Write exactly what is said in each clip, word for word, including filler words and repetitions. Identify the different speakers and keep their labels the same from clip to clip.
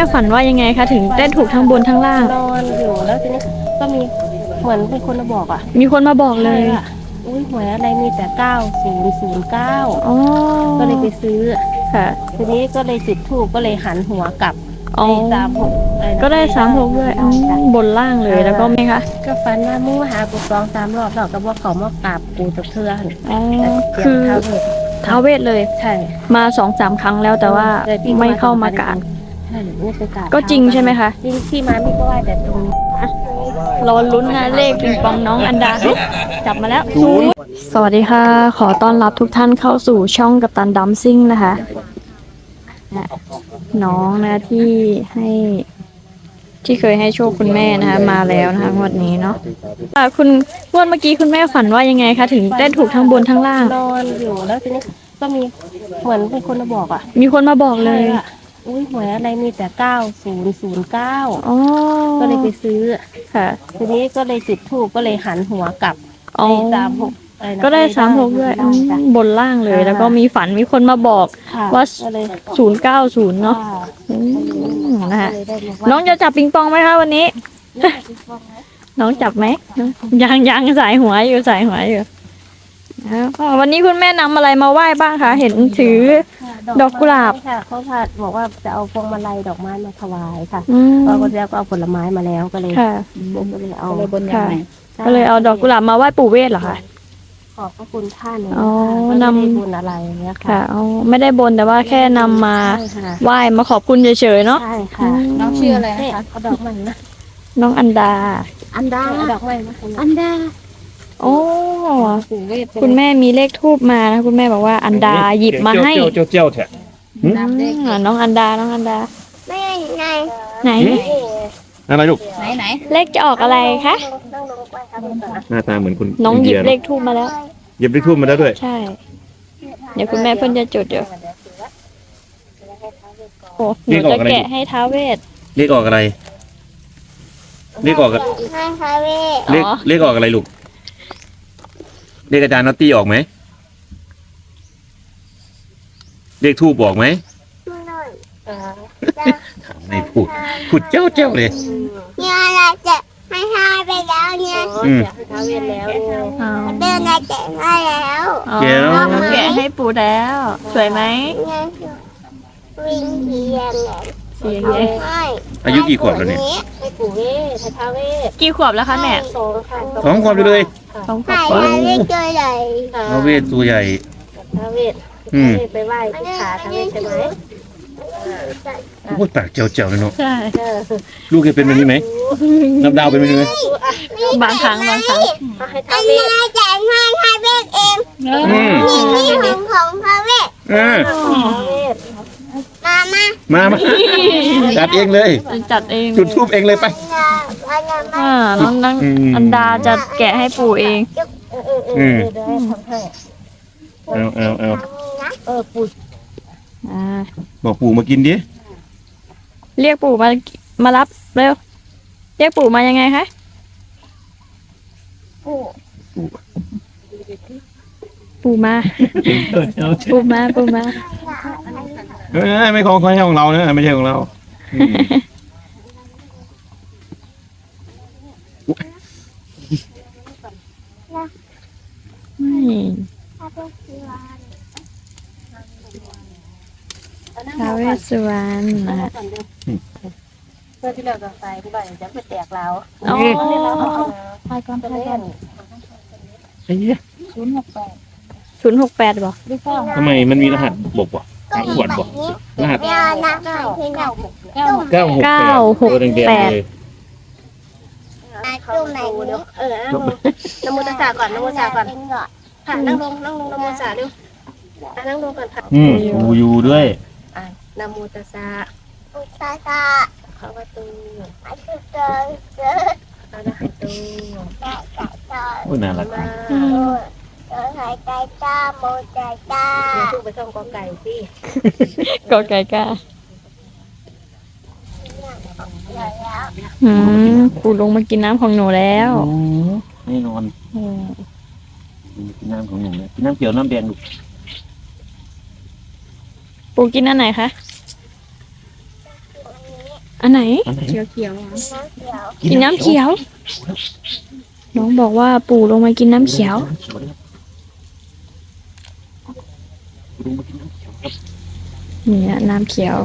Speaker 1: ฝันว่ายังไงคะถึงได้ถูกทั้งบนทั้งล่าง
Speaker 2: นอนอยู่แล้วทีนี้ก็มีเหมือนเป็นคนมาบอกอ่ะ
Speaker 1: มีคนมาบอกเลย
Speaker 2: ว่าอุ้ยหวยอะไรมีแต่เก้าศูนย์ศูนย์เก้า
Speaker 1: อ๋อ
Speaker 2: ก็เลยไปซื้อ
Speaker 1: ค่ะ
Speaker 2: ทีนี้ก็เลยจุดธูปก็เลยหันหัวกลับ
Speaker 1: อ๋อ
Speaker 2: สามหก
Speaker 1: ก็ได้สามหกด้วยบนล่างเลยแล้วก็ไหมคะ
Speaker 2: ก็ฝันว่ามู่หากูสองสามรอบแล้วก็บอกเขามากราบกูตะเทือน
Speaker 1: อ๋อคือท้าวเวทเลย
Speaker 2: ใช่
Speaker 1: มาสองสามครั้งแล้วแต่ว่าไม่เข้ามากราบ
Speaker 2: ใช่ไม่ไปกราบ
Speaker 1: ก็จริงใช่ไหมคะ
Speaker 2: จริงที่มาไม่ก็ว่าแต่ตรงนี้
Speaker 1: รอลุ้นนะเลขปิงปองน้องอันดาจับมาแล้วศูนย์สวัสดีค่ะขอต้อนรับทุกท่านเข้าสู่ช่องกัปตันดัมซิ่งนะคะน้องนะที่ให้ที่เคยให้โชคคุณแม่นะคะมาแล้วนะคะงวดนี้เนาะคุณงวดเมื่อกี้คุณแม่ฝันว่ายังไงคะถึงได้ถูกทั้งบนทั้งล่าง
Speaker 2: นอนอยู่แล้วทีนี้ก็มีเหมือนเป็นคนมาบอกอ่ะ
Speaker 1: มีคนมาบอกเลย
Speaker 2: อุ้ยหวยอะไรมีแต่เก้าศูนย์ศูนย์เก้า
Speaker 1: ก็
Speaker 2: เลยไปซื้อ
Speaker 1: ค่ะ
Speaker 2: ทีนี้ก็เลยจุดธูปก็เลยหันหัวกลับสามหก
Speaker 1: ก็ได้สามหกด้วยบนล่างเลยแล้วก็มีฝันมีคนมาบอกว่าศูนย์เก้าศูนย์เนาะนะคะน้องจะจับปิงปองไหมคะวันนี้น้องจับไหมยังยังสายหัวอยู่สายหัวอยู่วันนี้คุณแม่นำอะไรมาไหว้บ้างคะเห็นถือดอกกุหลาบ
Speaker 2: ค่ะเขาพาบอกว่าจะเอาพวงมาลัยดอกไม้มาถวายค่ะพอคนแล้วก็เอาผลไม้มาแล้วก็เลยก็เลยเอา
Speaker 1: บนยังไงก็เลยเอาดอกกุหลาบมาไหว้ปู่เวทเหรอคะ
Speaker 2: ขอบพระคุณท่าน
Speaker 1: อ๋อน
Speaker 2: ำบุญอะไรเนี้ยค่ะ
Speaker 1: อ๋อไม่ได้บนแต่ว่าแค่นำมาไหว้มาขอบคุณเฉยๆเนาะ
Speaker 2: ใช่ค่ะ
Speaker 1: น้องชื่ออะไร
Speaker 2: คะเอาดอกไม้นะ
Speaker 1: น้องอันดา
Speaker 2: อันดาดอกไม้มาอันดา
Speaker 1: โอ้คุณแม่มีเลขทูบมานะคุณแม่บอกว่าอันดาหยิบมาให้
Speaker 3: เจ้าเจ้าแท้
Speaker 1: น้องอันดาน้องอันดา
Speaker 2: ไหนไหน
Speaker 1: ไหน
Speaker 3: อะไรลูก
Speaker 1: ไหนไหนเลขจะออกอะไรคะ
Speaker 3: หน้าตาเหมือนคุณ
Speaker 1: น้องหยิบเลขทูบมาแล้ว
Speaker 3: หยิบเลขทูบมาแล้วด้วย
Speaker 1: ใช่เดี๋ยวคุณแม่เพิ่นจะจุดเดี๋ยวโอ้หนูจะแกะให้ท้าวเวท
Speaker 3: เลขออกอะไรเลขออกเลขเลขออกอะไรลูกเลขอาจารย์น็อตตี้ออกไหมเลขทูบบอกไหมไม่พูดพูดเจ้าเจ้าเลย
Speaker 4: เนี่ยอะไรจะให้ทายไปแล้วเนี่ย
Speaker 2: ทาเวทแล้ว
Speaker 4: เดินอะไรจะให้แล้ว
Speaker 1: แกะให้ปู่แล้วสวยไหม
Speaker 4: วิ่งเทียง
Speaker 1: เสียงไง
Speaker 3: อายุกี่ขวบแล้วเนี่ย
Speaker 2: ให้ปู่เวททาเวท
Speaker 1: กี่ขวบแล้วคะแม่
Speaker 2: สองค่ะ
Speaker 3: สองขวบเลย
Speaker 1: สองขวบ
Speaker 4: ทาเวทตัวใหญ่
Speaker 3: ทาเวทตัวใหญ่
Speaker 2: ทาเวทไปไหว้ที่ขาทาเวทใช่ไหม
Speaker 3: โอ้ปากเจียวเจียวเลยเนาะ
Speaker 1: ใช่
Speaker 3: ลูกเคยเป็นแบบนี้ไหมนับดาวเป็นแบบนี้ไหม
Speaker 1: บางครั้งบางครั้ง
Speaker 4: อันนี้จะให้ทาเวทเองนี่นี่ของของทาเวทมา
Speaker 3: มามาจัดเองเลย
Speaker 1: จัดเอง
Speaker 3: จุดทูบเองเลยไป
Speaker 1: อ่าน้องน้องอันดาจะแกะให้ปู่เอง
Speaker 3: อืมเอาเอาเอา
Speaker 2: เออปู่
Speaker 3: บอกปู่มากินดิ
Speaker 1: เรียกปู่มามารับเร็วเรียกปู่มายังไงคะปู่มาปู่มาปู่มา
Speaker 3: เฮ้ยไม่ของไม่ใช่ของเราเนอะไม่ใช่ของเรา
Speaker 1: ท้าวเวสสุวรรณนะ
Speaker 2: เพื่อที่เราจะใส่ที่บ้านจะไปแตกเรา
Speaker 1: อ๋อ
Speaker 2: ใช่ก่อนไปเล่น
Speaker 3: ไอ้เหี้ย
Speaker 2: ศูนย์หกแปด
Speaker 1: ศูนย์หกแปดบ่
Speaker 3: ทำไมมันมีรหัสบอกบ่ขวดบ่รหัส
Speaker 2: เก้าเก้าหกเก้า
Speaker 3: เก้าหก
Speaker 1: เก้าหกแปด
Speaker 2: จุ่มไหนเดี๋ยวเออน้ำมูตาสาก่อนน้ำมูตาก่อนค่ะนั่งลงนั่งลงน้ำมูตาเร็วนั่งลงก่อนค่ะ
Speaker 3: อืมอูยูด้วย
Speaker 2: นะโมตัสสะ
Speaker 4: อุตตะ
Speaker 2: ภะวะโต
Speaker 4: อะระหะโต
Speaker 2: อะระหะโต
Speaker 3: โอ้น่ารัก
Speaker 4: เออหายใจตาโมใจตา
Speaker 2: พูดไปท่องกอไก่สิ
Speaker 1: กอไก่ก้าอืมปู่ลงมากินน้ำของหนูแล้ว
Speaker 3: แน่นอนกินน้ำของหนูเลยกินน้ำเขียวน้ำแดงลูก
Speaker 1: ปู่กินอันไหนคะอันไหน
Speaker 3: อันไหน
Speaker 2: เขียวเขียว
Speaker 1: กินน้ำเขียว น้องบอกว่าปู่ลงมากินน้ำเขียว เนี่ยน้ำเขียว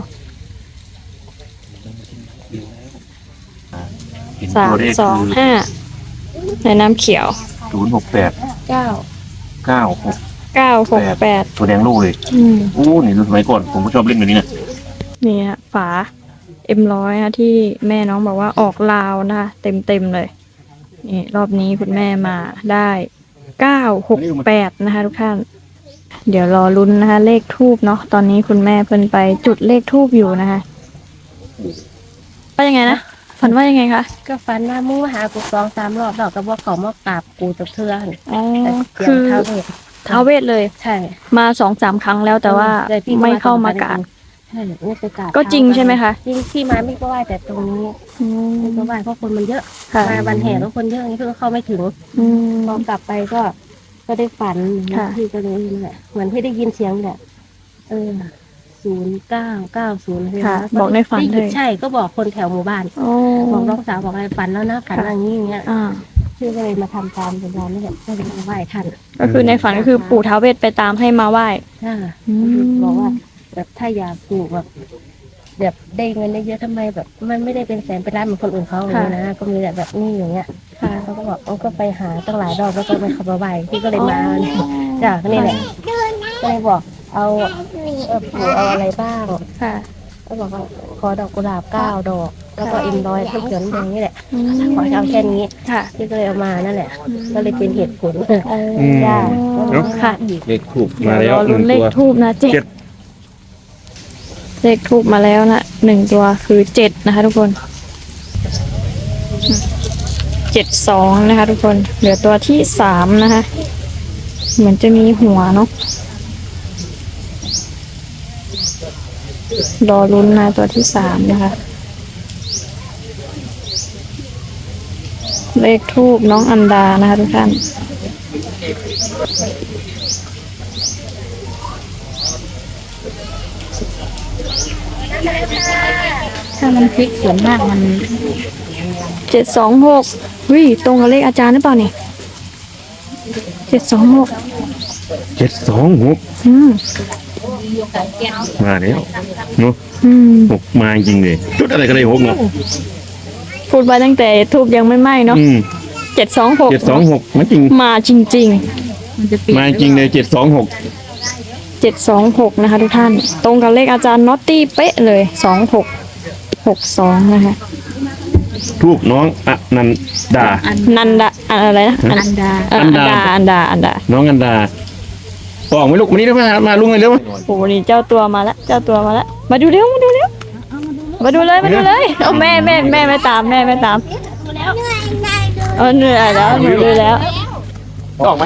Speaker 1: สามสองห้าในน้ำเขียว
Speaker 3: ศูนย์หกแปด
Speaker 1: เก้า
Speaker 3: เก้าหก
Speaker 1: เก้าหกแปด
Speaker 3: ตัวแดงลูกเลย
Speaker 1: อืม
Speaker 3: โอ้นี่สมัยก่อนผมก็ชอบเล่นแบบนี้นะ
Speaker 1: เนี่ยฝาเอ็มร้อยนะที่แม่น้องบอกว่าออกลาวนะคะเต็มเต็มๆเลยนี่รอบนี้คุณแม่มาได้เก้าหกแปดนะคะทุกท่าน เดี๋ยวรอลุ้นนะคะ เลขทูบเนาะตอนนี้คุณแม่เพิ่นไปจุดเลขทูบอยู่นะคะว่ายังไงนะฝันว่ายังไงคะ
Speaker 2: ก็ฟันว่ามู่หากูสองสามรอบดอกก็บอกเขามากราบกูตะเทือน
Speaker 1: อ๋อ
Speaker 2: คื
Speaker 1: คือ อ
Speaker 2: เท้าเวท
Speaker 1: ท้าวเวทเลย
Speaker 2: ใช่
Speaker 1: มาสองสามครั้งแล้วแต่ว่า
Speaker 2: แต่พี่
Speaker 1: ไม่เข้ามากราบ
Speaker 2: ใช่ไม่ไปกราบ
Speaker 1: ก็จริงใช่ไหมคะ
Speaker 2: จริงที่มาไม่ก็ไหว้แต่ตรงนี้
Speaker 1: อืม
Speaker 2: ไม่ก็ไหว้เพราะคนมันเยอะ
Speaker 1: ค่ะ
Speaker 2: มาวันแห่แล้วคนเยอะนี่เพื่อเข้าไม่ถึง
Speaker 1: อืม
Speaker 2: พอกลับไปก็ก็ได้ฝัน
Speaker 1: ค่ะ
Speaker 2: ที่ก็เลยนั่นแหละเหมือนที่ได้ยินเสียงแหละเออศูนย์เก้าเก้าศูนย์
Speaker 1: ค่ะบอกในฝันเลย
Speaker 2: ใช่ก็บอกคนแถวหมู่บ้าน
Speaker 1: โอ้
Speaker 2: บอกน้องสาวบอกอะไรฝันแล้วนะฝันอะไรอย่างนี้อย่างเงี้ย
Speaker 1: อ่า
Speaker 2: ชื่อก็เลยมาทำตามเป็นเรานี่แหละก็เลยมาไหว้ท่าน
Speaker 1: ก็คือในฝันก็คือปู่ท้าวเวทไปตามให้มาไหว้
Speaker 2: ค่ะ
Speaker 1: อืม
Speaker 2: บอกว่า แบบถ้าอยากปลูกแบบแบบได้เงินได้เยอะทำไมแบบ มันไม่ได้เป็นแสนเป็นล้านเหมือนคนอื่นเขาอย่างนี้นะก็มีแต่แบบนี้อย่างเงี้ย
Speaker 1: ค่ะ
Speaker 2: เขาก็บอกเขาก็ไปหาตั้งหลายรอบแล้วก็ไม่เข้ามาไหว้พี่ก็เลยมาจากนี่แหละก็เลยบอกเอาเออปลูกเอาอะไรบ้าง
Speaker 1: ค่ะ
Speaker 2: ก็บอกว่าขอดอกกุหลาบเก้าดอก แล้วก็เอ็มร้อยน้ำเขียวน้ำแดงนี่แหละ
Speaker 1: อืม
Speaker 2: ขอเอาแค่นี้
Speaker 1: ค่ะ
Speaker 2: พี่ก็เลยเอามานั่นแหละ ก็เลยเป็นเหตุผล
Speaker 1: โอ้
Speaker 2: จ้า
Speaker 1: ค่ะ
Speaker 3: เลขถูกมาแล้ว
Speaker 1: เดี๋ยรอ
Speaker 3: ห
Speaker 1: ลุ้
Speaker 3: นึ่
Speaker 1: น
Speaker 3: ง
Speaker 1: เล
Speaker 3: ตั
Speaker 1: ข
Speaker 3: ว
Speaker 1: ทูบนะเจ็
Speaker 3: เจ็
Speaker 1: ด
Speaker 3: ด
Speaker 1: เลขทูบมาแล้วนะหนึ่งตัวคือเจ็ดนะคะ ทุกคนเจ็ดสองนะคะ ทุกคนเหลือตัวที่สามนะคะ เหมือนจะมีหัวเนาะรอลุ้นนะตัวที่สามนะคะ เลขทูบน้องอันดานะคะทุกท่าน
Speaker 2: ถ้ามันพลิกส่วนมากมัน
Speaker 1: เจ็ดสองหกวิตรงกับเลขอาจารย์หรือเปล่านี่เจ็ดสองหก
Speaker 3: เจ็ดสองหก
Speaker 1: อืม
Speaker 3: มาแล้วเนาะ
Speaker 1: อืม
Speaker 3: หกมาจริงเลยจุดอะไรก็ได้หกเนาะ
Speaker 1: พูดไปตั้งแต่ทูบยังไม่ไหม้เนาะ
Speaker 3: อืม
Speaker 1: เจ็ดสองหก
Speaker 3: เจ็ดสองหกมาจริง
Speaker 1: มาจริง
Speaker 3: มาจริงเลยเจ็ดสองหก
Speaker 1: ๆเจ็ดสองหกนะคะทุกท่าน ตรงกับเลขอาจารย์น็อตตี้เป๊ะเลยสองหกหกสองนะคะ
Speaker 3: ทูบน้องอนันดา
Speaker 1: นันดาอะไรนะอันดาอันดาอันดาอันดา
Speaker 3: น้องอันดาออกไหมลูกมานี่เร็วมามาลุงเลยเร็ว
Speaker 1: โอ้นี่เจ้าตัวมาแล้วเจ้าตัวมาแล้วมาดูเร็วมาดูเร็วมาดูเลยมาดูเลยเอาแม่แม่แม่ไม่ตามแม่ไม่ตามเออเหนื่อยแล้วหนูดูแล้ว
Speaker 3: ออกไหม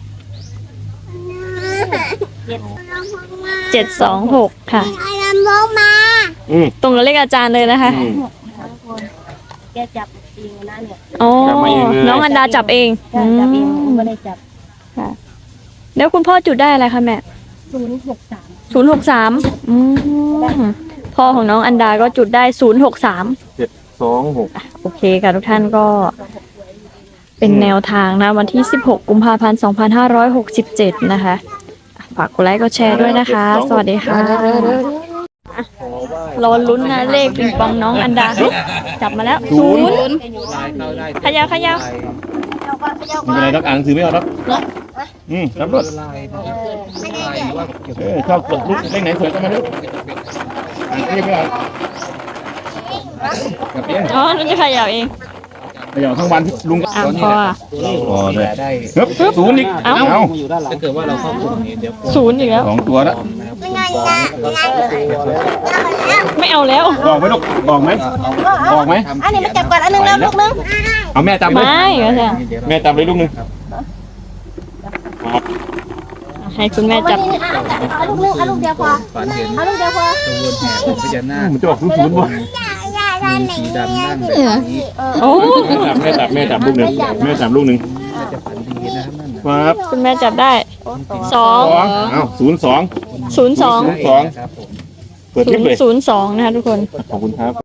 Speaker 1: เจ็ดสองหกค่ะ
Speaker 4: เอาลำโพงมา
Speaker 3: อืม
Speaker 1: ตรงกับเลขอาจารย์เลยนะคะ
Speaker 3: อืม
Speaker 2: แกจับเองนะเนี่ย
Speaker 1: อ๋อ
Speaker 3: จับมาเองเลย
Speaker 1: น้องอันดาจับเอง
Speaker 2: ใช่จับเอง
Speaker 1: อืม
Speaker 2: ไม่ได้จับ
Speaker 1: ค่ะแล้วคุณพ่อจุดได้อะไรคะแม่
Speaker 2: ศูนย์หกสาม
Speaker 1: ศูนย์หกสามอืมพ่อของน้องอันดาก็จุดได้ศูนย์หกสาม
Speaker 3: เจ็ดสองหก
Speaker 1: โอเคค่ะทุกท่านก็ เป็นแนวทางนะ วันที่สิบหกกุมภาพันธ์สองพันห้าร้อยหกสิบเจ็ดนะคะฝากกดไลค์กดแชร์ด้วยนะคะ สวัสดีค่ะรอลุ้นนะเลขปิงปองน้องอันดาจับมาแล้วศูนย์ขยาวขยาว
Speaker 3: ไม่เป็นไรรักอ่านหนังสือไม่เอารับอืมรับรถเออชอบกดลูกเลขไหนสวยก็มาลูกเรียกไม่เอากับเพี้ยน
Speaker 1: อ๋อนั่นจะขยาวเอง
Speaker 3: เดี๋ยวทั้งวันลุงก็
Speaker 1: อ่ะพออ่ะ
Speaker 3: พอเลยเฮ้ยศูนย์อีก
Speaker 1: เอ้า
Speaker 3: เอา
Speaker 5: ถ้าเกิดว่าเราเข้ากลุ่มนี้เดี๋ยว
Speaker 1: ศูนย์อีกแล้ว
Speaker 3: สองตัวแล้ว
Speaker 4: ไม่นอนนะนอน
Speaker 1: ไม่เอาแล้ว
Speaker 3: บอกไหมลูกบอกไหมบอกไหม
Speaker 2: อันนี้มาจับก่อนอันนึงแล้วลูกนึง
Speaker 3: เอาแม่ตามเลย
Speaker 1: ไม่ก็จะ
Speaker 3: แม่ตามเลยลูกหนึง
Speaker 1: ให้คุณแม่จับ
Speaker 2: เอาลูกนึงเอาลูกเดียวพอ
Speaker 5: ฝันเห็น
Speaker 2: เอาลูกเดียวพอ
Speaker 5: ขบวนแห่ของพญานาค
Speaker 3: มันจะออกศูนย์ศูนย์บ่
Speaker 4: อย่าอย่าอย่า
Speaker 5: มี
Speaker 4: หนี
Speaker 5: สีดำนั่งแบบนี้
Speaker 1: โอ้
Speaker 3: แม่จับแม่จับแม่จับลูกหนึ่งแม่จับลูกหนึ่ง
Speaker 5: น่าจะฝันดีนะครับนั่นน่ะ
Speaker 3: ครับ
Speaker 1: คุณแม่จับได้สอง
Speaker 3: สองเอ้าศูนย์สอง
Speaker 1: ศูนย์สอง
Speaker 3: ศูนย์สอง
Speaker 5: ครับผม
Speaker 3: เปิดคลิปเลย
Speaker 1: ศูนย์สองนะคะทุกคน
Speaker 3: ขอบคุณครับ